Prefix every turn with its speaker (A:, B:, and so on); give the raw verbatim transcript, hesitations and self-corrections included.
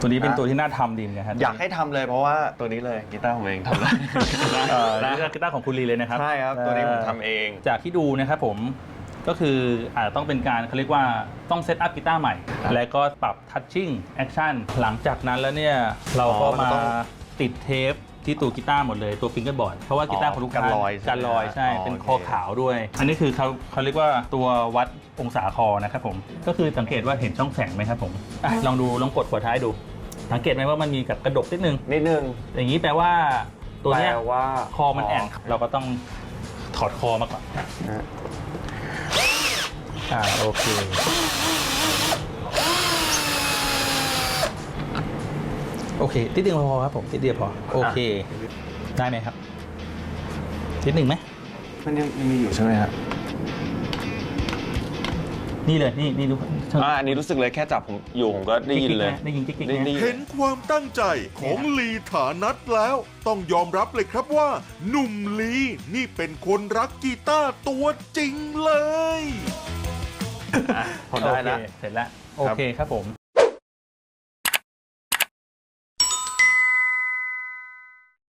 A: ตัวนี้เป็นตัวที่น่าทำดีนะฮะ
B: อยากให้ทำเลยเพราะว่าตัวนี้เลยกีตาร์ผมเองทำได้
A: เอ่อนี่ก็กีตาร์ของคุณลีเลยนะครับ
B: ใช่ครับตัวนี้ผมทำเอง
A: จากที่ดูนะครับผมก็คืออาจจะต้องเป็นการเขาเรียกว่าต้องเซตอัพกีตาร์ใหม่ แล้วก็ปรับทัชชิ่งแอคชั่นหลังจากนั้นแล้วเนี่ยเราก็มาติดเทปที่ตัวกีตาร์หมดเลยตัวฟิงเกอร์บอร์ดเพราะว่ากีตาร์ของลูกค้า
B: กันรอย
A: กันรอยใช่เป็นคอขาวด้วย อันนี้คือเขาเขาเรียกว่าตัววัดองศาคอนะครับผมก็คือสังเกตว่าเห็นช่องแสงไหมครับผมอ่ะลองดูลองกดหัวท้ายดูสังเกตไหมว่ามันมีกับกระดกนิดนึง
B: นิดนึง
A: อย่างนี้แปลว่าตัวเนี้ย
B: แปลว่า
A: คอมันแอนเราก็ต้องถอดคอมาก่อนอ่าโอเคโอเคติดเดียวพอครับผมติดเดียวพอโอเคได้ไหมครับนิดหนึ่งไหม
B: มันยังมีอยู่ใช่ไหมครับ
A: นี่เลยนี่นี่ดู
B: อ่าอันนี้รู้สึกเลยแค่จับผมอยู่ผมก็ได้ยินเลย
A: ได้ยินกิ๊กๆ
B: ได้
A: นะ
B: ยิน
C: เห็นความตั้งใจของลีฐานัทแล้ว ต้องยอมรับเลยครับว่า หนุ่มลีนี่เป็นคนรักกีตาร์ตัวจริงเลย
B: พอได้แล้ว
A: โอเคเสร็จแล้วโอเคครับผม